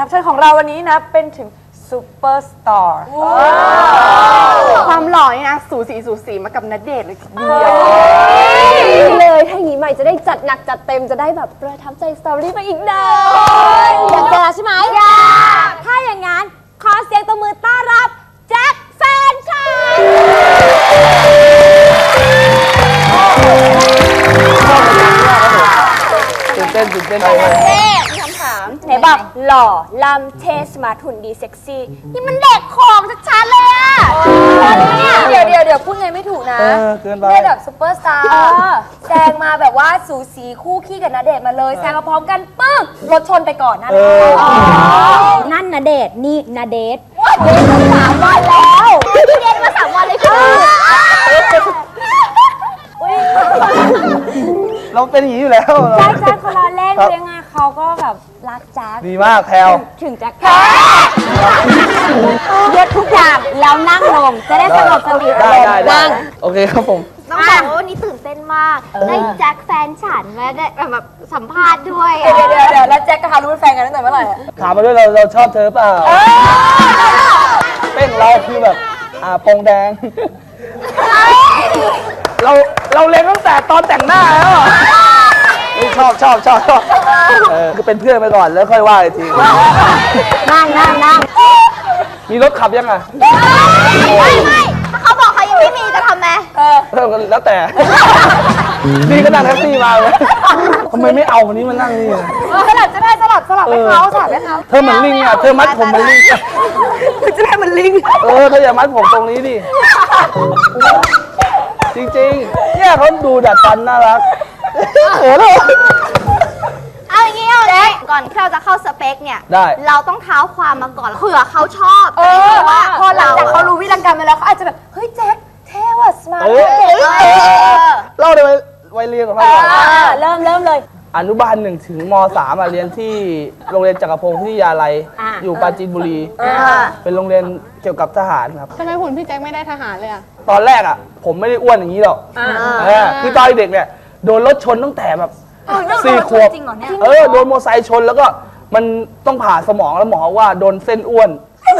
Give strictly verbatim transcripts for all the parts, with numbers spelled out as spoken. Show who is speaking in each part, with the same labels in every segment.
Speaker 1: รับเชิญของเราวันนี้นะเป็นถึงซูเปอร์สตาร์ความหล่อนี่นะสูสีสูสีมากับณเดชน์เลยทีเดียว
Speaker 2: เลยถ้าอย่างนี้ใหม่จะได้จัดหนักจัดเต็มจะได้แบบประทับใจสตอรี่มาอีกนานอยากเจอใช่ไหมอยากถ้าอย่างนั้นขอเสียงตบมือต้อนรับแจ็คแฟนฉัน
Speaker 3: ตื่นเต้นตื่นเต้น
Speaker 2: เอ๊ะมีคำถามไหนบอกหล่อลำเทสมาร์ทหุ่นดีเซ็กซี่นี่มันเด็กของชัดๆเลยอะเดี๋ยวเดี๋ยวเดี๋ยวพูดไงไม่ถูกนะ
Speaker 3: เกินไป
Speaker 2: เนี่ยแบบซุปเปอร์สตาร์แซงมาแบบว่าสูสีคู่ขี้กับณเดชน์มาเลยแซงมาพร้อมกันปึ๊กรถชนไปก่อนนั่นนั่นณเดชน์นี่ณเดชน์เดชน์มาสามวันแล้วเดชน์มาสามวันเลยค่ะ
Speaker 3: เราเป็นอย่างนี้อยู่แล้ว
Speaker 2: แจ็คแจ็คเขาล้อเล่นยังไงเขาก็แบบรักแจ็ค
Speaker 3: ดีมากแพลว
Speaker 2: ถึงแจ็คแพ้ยกทุกอย่างแล้วนั่งลงจะได้สงบสติอารมณ์นั่ง
Speaker 3: โอเคครับผม
Speaker 4: ต้องบอกว่าวันนี้ตื่นเต้นมากได้แจ็คแฟนฉันมาได้แบบสัมภาษณ์ด้วย
Speaker 2: เดี๋ยวเดี๋ยวเดี๋ยวแล้วแจ็คกับฮารุเป็นแฟนกันตั้งแต่เมื่อไหร่
Speaker 3: ถามมาด้วยเราเราชอบเธอเปล่าเป้งเราคือแบบอ่าปงแดงเราเราเล่นตั้งแต่ตอนแต่งหน้าแล้วชอบชอบชอบชอบเออคือเป็นเพื่อนไปก่อนแล้วค่อยว่าอีกที
Speaker 2: นั่งนั่งนั่ง
Speaker 3: มีรถขับยังไง
Speaker 4: ไม่ไม่ถ้าเขาบอกเขายังไม่มีจะทำไหม
Speaker 3: เออแล้วแต่นี่ก็นั่งแท็กซี่มาเลยทำไมไม่เอาคนนี้มานั่งนี่
Speaker 2: สลับจะได้สลับสลับให้เขาสลับให้เขา
Speaker 3: เธอเหมือนลิงอ่ะเธอมัดผมเหมือนลิง
Speaker 1: จะได้มันลิง
Speaker 3: เออเธออย่ามัดผมตรงนี้ดิจริงๆเนี่ยเขาดูดัดฟันน่ารักเออเลย
Speaker 4: เอาอย่างงี้เอาเลยก่อนที่เราจะเข้าสเปคเนี่ยเราต้องเท้าความมาก่อนเผื่อเขาชอบ
Speaker 2: เออว่าพอหลังจากเขารู้วิธีการมาแล้วเขาอาจจะแบบเฮ้ยแจ็คเท่ว่ะสมาร์ท
Speaker 3: เล่าเลยวัยเรียนของเรา
Speaker 2: เริ่มเริ่มเลย
Speaker 3: อนุบาลหนึ่งถึงมสามเรียนที่โรงเรียนจักรพงศ์วิทยาลัยอยู่ปราจีนบุรีเป็นโรงเรียนเกี่ยวกับทหารครับ
Speaker 1: ทำไมหุ่นพี่แจ็คไม่ได้ทหารเลยอ่ะ
Speaker 3: ตอนแรกอ่ะผมไม่ได้อ้วนอย่างนี้หรอกคือตอนเด็กเนี่ยโดนรถชนตั้งแต่แบบสี่ขวบเออโดนมอเตอร์ไซค์ชนแล้วก็มันต้องผ่าสมองแล้วหมอว่าโดนเส้นอ้วน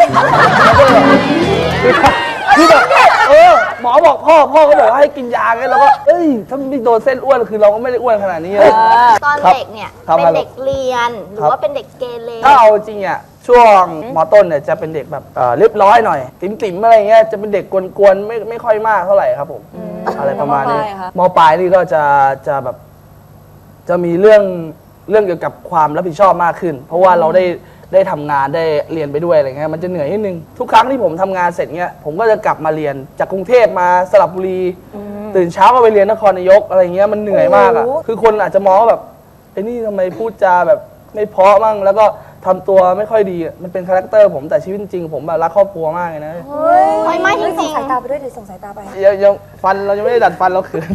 Speaker 3: คือแบบเออหมอบอกพ่อพ่อก็บอกให้กินยาไงแล้วก็เอ้ยถ้าไม่โดนเส้นอ้วนคือเราก็ไม่ได้อ้วนขนาดนี้เลย
Speaker 4: ตอนเด็กเนี่ยเป็นเด็กเรียนหรือว่าเป็นเด็กเกเร
Speaker 3: ถ้าเอาจริงอ่ะช่วงม.ต้นเนี่ยจะเป็นเด็กแบบเรียบร้อยหน่อยติ๋มๆอะไรเงี้ยจะเป็นเด็กกวนๆไม่ไม่ค่อยมากเท่าไหร่ครับผมอะไรประมาณนี้ม.ปลายนี่ก็จะจะแบบจะมีเรื่องเรื่องเกี่ยวกับความรับผิดชอบมากขึ้นเพราะว่าเราได้ได้ทำงานได้เรียนไปด้วยอะไรเงี้ยมันจะเหนื่อยนิดนึงทุกครั้งที่ผมทำงานเสร็จเงี้ยผมก็จะกลับมาเรียนจากกรุงเทพมาสระบุรีตื่นเช้าก็ไปเรียนนครนายกอะไรเงี้ยมันเหนื่อยมากอ่ะคือคนอาจจะมองว่าแบบไอ้นี่ทำไมพูดจาแบบไม่เพราะมั่งแล้วก็ทำตัวไม่ค่อยดีมันเป็นคาแรคเตอร์ผมแต่ชีวิตจริงผมแบบรักครอบครัวมากเลยนะ
Speaker 4: ไม่ไม่จริง
Speaker 2: ส่งสายตาไปด้วยดิส่งสายตาไป
Speaker 3: ยังยังฟันเรายังไม่ได้ดัดฟันเราเขิน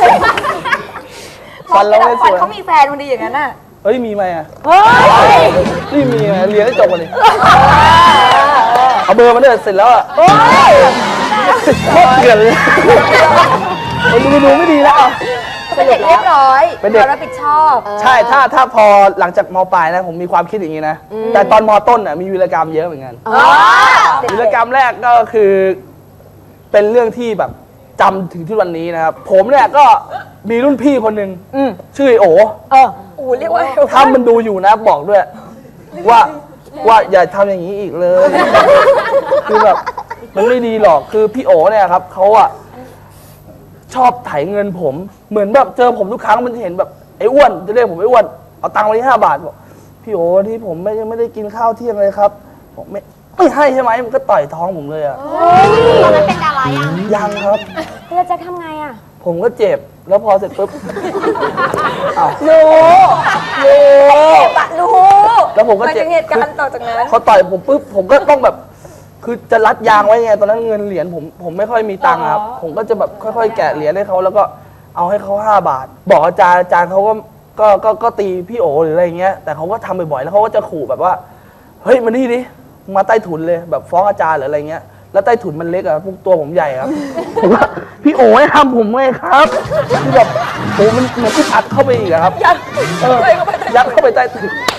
Speaker 2: ฟันเราไม่สวยเขามีแฟนมันดีอย่างนั้นน่ะ
Speaker 3: เฮ้ยมีไหมอ่ะนี่มีไหมเรียนได้จบกันเลยเอาเบอร์มาด้วยเสร็จแล้วอ่ะโคตรเกลียดเลยดูดูไม่ดีแล้ว
Speaker 2: เป็นเด็กเรียบร้อยเป็นเด็กรับผิดชอบ
Speaker 3: ใช่ถ้าถ้าพอหลังจากม.ปลายนะผมมีความคิดอย่างนี้นะแต่ตอนม.ต้นอ่ะมีวีรกรรมเยอะเหมือนกันวีรกรรมแรกก็คือเป็นเรื่องที่แบบจำถึงทุกวันนี้นะครับผมเนี่ยก็มีรุ่นพี่คนหนึ่งชื่อโอ๋
Speaker 2: เออโอ้เรียกว่า
Speaker 3: ถ้ามันดูอยู่นะบอกด้วยว่าว่าอย่าทำอย่างนี้อีกเลยคือแบบมันไม่ดีหรอกคือพี่โอ๋เนี่ยครับเขาอะชอบไถเงินผมเหมือนแบบเจอผมทุกครั้งมันจะเห็นแบบไอ้อ้วนจะเรียกผมไอ้อ้วนเอาตังค์มาที่ห้าบาทบอกพี่โอ๋ที่ผมไม่ยังไม่ได้กินข้าวเที่ยงเลยครับผมไม่ไม่ให้ใช่ไหมมันก็ต่อยท้องผมเลยอะ
Speaker 4: ตอนนั้นเป็นดารายัง
Speaker 3: ยังครับ
Speaker 2: แล้วจะทำไงอะ
Speaker 3: ผมก็เจ็บแล้วพอเสร็จปุ๊บ
Speaker 2: รู้รู้ปะรู้
Speaker 3: แล้วผมก็เจ็บ
Speaker 2: เหตุการณ์ต่อจากนั้น
Speaker 3: เขาต่อยผมปุ๊บผมก็ต้องแบบคือจะรัดยางไว้ไงตอนนั้นเงินเหรียญผมผมไม่ค่อยมีตังค์ครับผมก็จะแบบค่อยๆแกะเหรียญให้เขาแล้วก็เอาให้เขาห้าบาทบอกอาจารย์อาจารย์เขาก็ก็ก็ก็ตีพี่โอหรืออะไรเงี้ยแต่เขาก็ทำบ่อยๆแล้วเขาก็จะขู่แบบว่าเฮ้ยมานี่ดิมาใต้ถุนเลยแบบฟ้องอาจารย์หรืออะไรเงี้ยแล้วใต้ถุนมันเล็กอะพวกตัวผมใหญ่ครับผมว่าพี่โอ๋ให้ทำผมไงครับคือแบบโอ้มันเหมือนที่อัดเข้าไปอีกครับยัดเออยัดเข้าไปใต้ถุน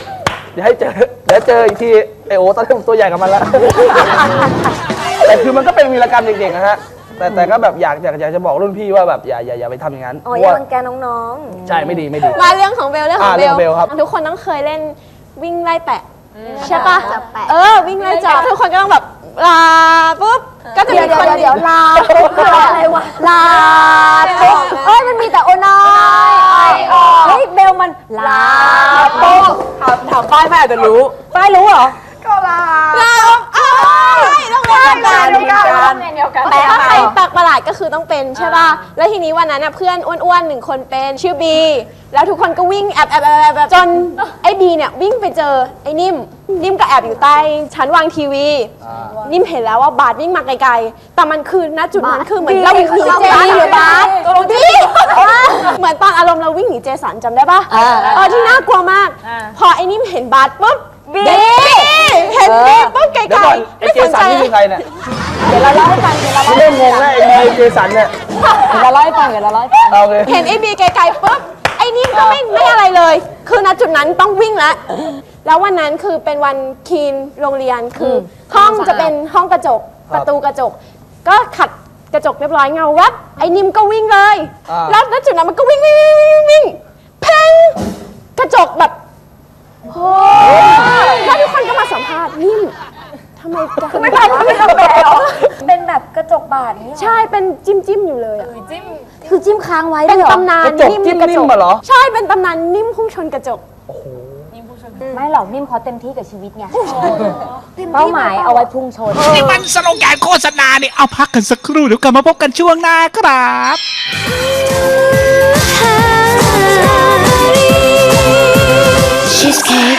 Speaker 3: เดี๋ยวให้เจอเดี๋ยวเจออีกทีไอโอตอนที่ผมตัวใหญ่กับมันแล้ว แต่คือมันก็เป็นวีรกรรมเด็กๆนะฮะแต่แต่ก็แบบอยากอยากอยากจะบอกรุ่นพี่ว่าแบบอย่าอย่าอย่าไปทำอย่างนั้น
Speaker 2: อ๋อ
Speaker 3: เพ
Speaker 2: อย่า
Speaker 3: ราะว่า
Speaker 2: รังแกน้อง
Speaker 3: ใช่ไม่ดีไม่ดี
Speaker 5: มาเรื่องของเบลเรื่องของ
Speaker 3: อ่า
Speaker 5: เบ
Speaker 3: เรื่
Speaker 5: ล
Speaker 3: องเบลครับ
Speaker 5: ทุกคนต้องเคยเล่นวิ่งไล่แปะใช่ปะ
Speaker 4: จับแปะ
Speaker 5: เออวิ่งไล่จับทุกคนก็ต้องแบบลาปุ๊บก็
Speaker 2: ๆ
Speaker 5: จะ
Speaker 2: เดี๋ย
Speaker 5: มี
Speaker 2: วเดี๋ยว
Speaker 5: คน
Speaker 2: เดี๋ยวลาปุ๊บคืออะไรวะลาปุ๊บเอ้ยมันมีแต่โอน้อยเฮ้ยเบลมันลาปุ๊บ
Speaker 1: ถามถามป้ายแม่อาจจะรู้
Speaker 2: ป้ายรู้เหรอ
Speaker 1: ก็ลา
Speaker 5: ลาอ้าวต้องเล่นกัน
Speaker 1: เดียวกันเดียวกัน
Speaker 5: แต่ถ้าใครปากประหลาดก็คือต้องเป็นใช่ป่ะแล้วทีนี้วันนั้นน่ะเพื่อนอ้วนๆหนึ่งคนเป็นชื่อบีแล้วทุกคนก็วิ่งแอบแอบแอบแอบแอบจนไอ้บีเนี่ยวิ่งไปเจอไอ้นิ่มนิ่มก็แอบอยู่ใต้ชั้นวางทีวี นิ่มเห็นแล้วว่าบาสวิ่งมาไกลๆ แต่มันคือณจุดนั้นคือเหมือนเราวิ่งหนีเจสันหรือบาสตกลงที่เหมือนตอนอารมณ์เราวิ่งหนีเจสันจำได้ปะเออที่น่ากลัวมาก พอไอ้นิ่มเห็นบาสปุ๊บบีเห็นบีปุ๊บไกล
Speaker 3: เดี๋ยวก่อน
Speaker 5: ๆ
Speaker 3: ไอ
Speaker 5: ไม่
Speaker 3: เจ
Speaker 5: สน
Speaker 3: สั
Speaker 5: ใจ
Speaker 3: นนี่คือใครเนี่ย
Speaker 2: เดี๋ยวเราเล่าให้ฟังเดี๋ยวเราเล่า
Speaker 3: เริ่มงงแล้วไอ้ไอเจสันเนี่ย
Speaker 2: เดี๋ยวเราเล่าให้ฟังเดี๋ยวเราเล่าให้ฟัง
Speaker 3: เอาเลย
Speaker 5: เห็นไอ้บีไกลๆปุ๊บไอ้นิ่มก็ไม่ไม่อะไรเลย คือณจุดนั้นต้องวิ่งแล้วแล้ววันนั้นคือเป็นวันคีนโรงเรียนคือห้องจะเป็นห้องกระจกประตูกระจก ก็ขัดกระจกเรียบร้อยเงาวับไอ้นิ่มก็วิ่งเลย แล้วณจุดนั้นมันก็วิ่งวิ่งวิ่งวิ่งวิ่งเพ่งกระจกแบบโอ้แล้วทุกคนก็มาสัมภาษณ์นิ่มทำไมทำไมแบบว่าไม่ทำแบบ
Speaker 2: เป็นแบบกระจกบาดนี่
Speaker 5: ใช่เป็นจิ้มจิ้มๆอยู่เลยอะ
Speaker 2: คือจิ้มค้างไว้
Speaker 5: เป็น
Speaker 2: ด้วยเหรอ
Speaker 5: ตำนาน
Speaker 3: กระจกจิ้มนิ่มมาเหรอ
Speaker 5: ใช่เป็นตำนานนิ่มพุ่งชนกระจก
Speaker 2: ไม่หรอกนิ่มเขาเต็มที่กับชีวิตไงเป้าหมายเอาไว้พุ่งชน
Speaker 6: นี่มันสโลแกนโฆษณาเนี่ยเอาพักกันสักครู่เดี๋ยวกลับมาพบกันช่วงหน้าครับ
Speaker 7: She's